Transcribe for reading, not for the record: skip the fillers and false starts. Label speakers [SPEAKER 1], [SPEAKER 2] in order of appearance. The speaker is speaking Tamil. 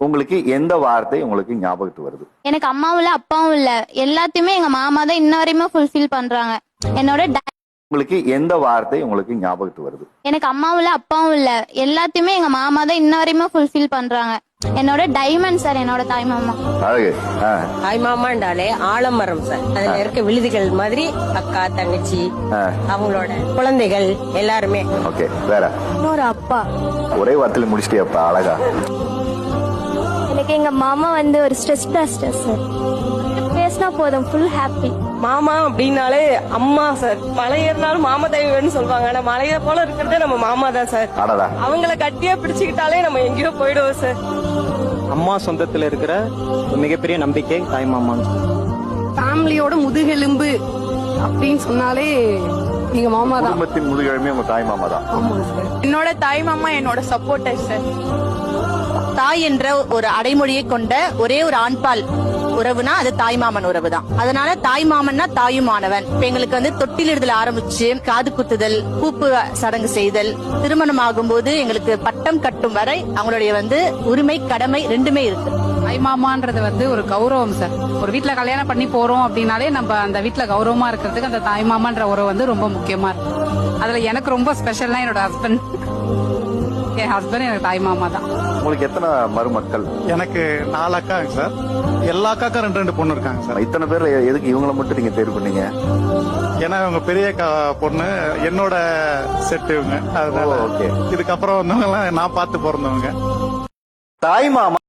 [SPEAKER 1] உங்களுக்கு எந்த வார்த்தை உங்களுக்கு ஞாபகத்துக்கு வருது?
[SPEAKER 2] எனக்கு அம்மாவும் இல்ல அப்பாவும் இல்ல, எல்லாத்தையுமே எங்க மாமா தான் இன்ன வரையுமே ஃபுல்ஃபில் பண்றாங்க. என்னோட
[SPEAKER 1] உங்களுக்கு எந்த வார்த்தை உங்களுக்கு ஞாபகத்துக்கு வருது?
[SPEAKER 2] எனக்கு அம்மாவும் இல்ல அப்பாவும் இல்ல, எல்லாத்தையுமே எங்க மாமா தான் இன்ன வரையுமே ஃபுல்ஃபில் பண்றாங்க. என்னோட டைமண்ட் சார், என்னோட தாய் மாமா.
[SPEAKER 1] அழகு.
[SPEAKER 3] தாய் மாமாண்டாலே ஆலமரம் சார். அதுல இருக்க விழுதுகள் மாதிரி அக்கா தங்கச்சி அவங்களோட குழந்தைகள் எல்லாருமே.
[SPEAKER 1] ஓகே, வேற?
[SPEAKER 2] இன்னொரு அப்பா.
[SPEAKER 1] ஒரே வார்த்தையில முடிச்சிட்டியாப்பா, அழகா.
[SPEAKER 2] எனக்கு எங்க மாமா வந்து ஒரு ஸ்ட்ரெஸ் பஸ்டர் சார். பேசினா போதும், ஃபுல் ஹாப்பி.
[SPEAKER 3] மாமா அப்படின்னாலே அம்மா சார். மலை ஏறினாலும் மாமா தெய்வம்னு சொல்லுவாங்க. ஆனா மலையை போல இருக்கிறதே நம்ம மாமா தான் சார். அவங்கள கட்டியா பிடிச்சுக்கிட்டாலே நம்ம எங்கேயோ போயிடுவோம் சார்.
[SPEAKER 4] அம்மா சொந்தத்துல இருக்கிற மிகப்பெரிய நம்பிக்கை தாய் மாமா.
[SPEAKER 5] ஃபேமிலியோட முதுகெலும்பு அப்படின்னு சொன்னாலே எங்க மாமா தான்.
[SPEAKER 1] குடும்பத்தின் முதுகெலும்பே உங்க தாய் மாமா தான்.
[SPEAKER 5] என்னோட தாய் மாமா என்னோட சப்போர்ட்டர் சார்.
[SPEAKER 6] தாய் என்ற ஒரு அடைமொழியை கொண்ட ஒரே ஒரு ஆண்பால் உறவுனா அது தாய்மாமன் உறவு தான். அதனால தாய்மாமன்னா தாயுமானவன். இப்ப எங்களுக்கு வந்து தொட்டிலிடுதல் ஆரம்பிச்சு காது குத்துதல், பூப்பு சடங்கு செய்தல், திருமணம் ஆகும்போது எங்களுக்கு பட்டம் கட்டும் வரை அவங்களுடைய வந்து உரிமை கடமை ரெண்டுமே இருக்கு.
[SPEAKER 5] தாய்மாமான்றது வந்து ஒரு கௌரவம் சார். ஒரு வீட்டுல கல்யாணம் பண்ணி போறோம் அப்படின்னாலே நம்ம அந்த வீட்டுல கௌரவமா இருக்கிறதுக்கு அந்த தாய்மாமான்ற உறவு வந்து ரொம்ப முக்கியமா இருக்கு. அதுல எனக்கு ரொம்ப ஸ்பெஷல்னா என்னோட ஹஸ்பண்ட். என் ஹஸ்பண்ட் எனக்கு தாய் மாமா தான்.
[SPEAKER 1] உங்களுக்கு எத்தனை மருமக்கள்?
[SPEAKER 7] எனக்கு 4 அக்காங்க சார். எல்லா அக்காக்கும் 2 பொண்ணு இருக்காங்க சார்.
[SPEAKER 1] இத்தனை பேர் எதுக்கு இவங்களை மட்டும் நீங்க தேர்வு பண்ணீங்க?
[SPEAKER 7] ஏன்னா இவங்க பெரிய பொண்ணு என்னோட செட் இவங்க. அதனால இதுக்கப்புறம் வந்தவங்க எல்லாம் நான் பார்த்து பிறந்தவங்க.
[SPEAKER 1] தாய் மாமா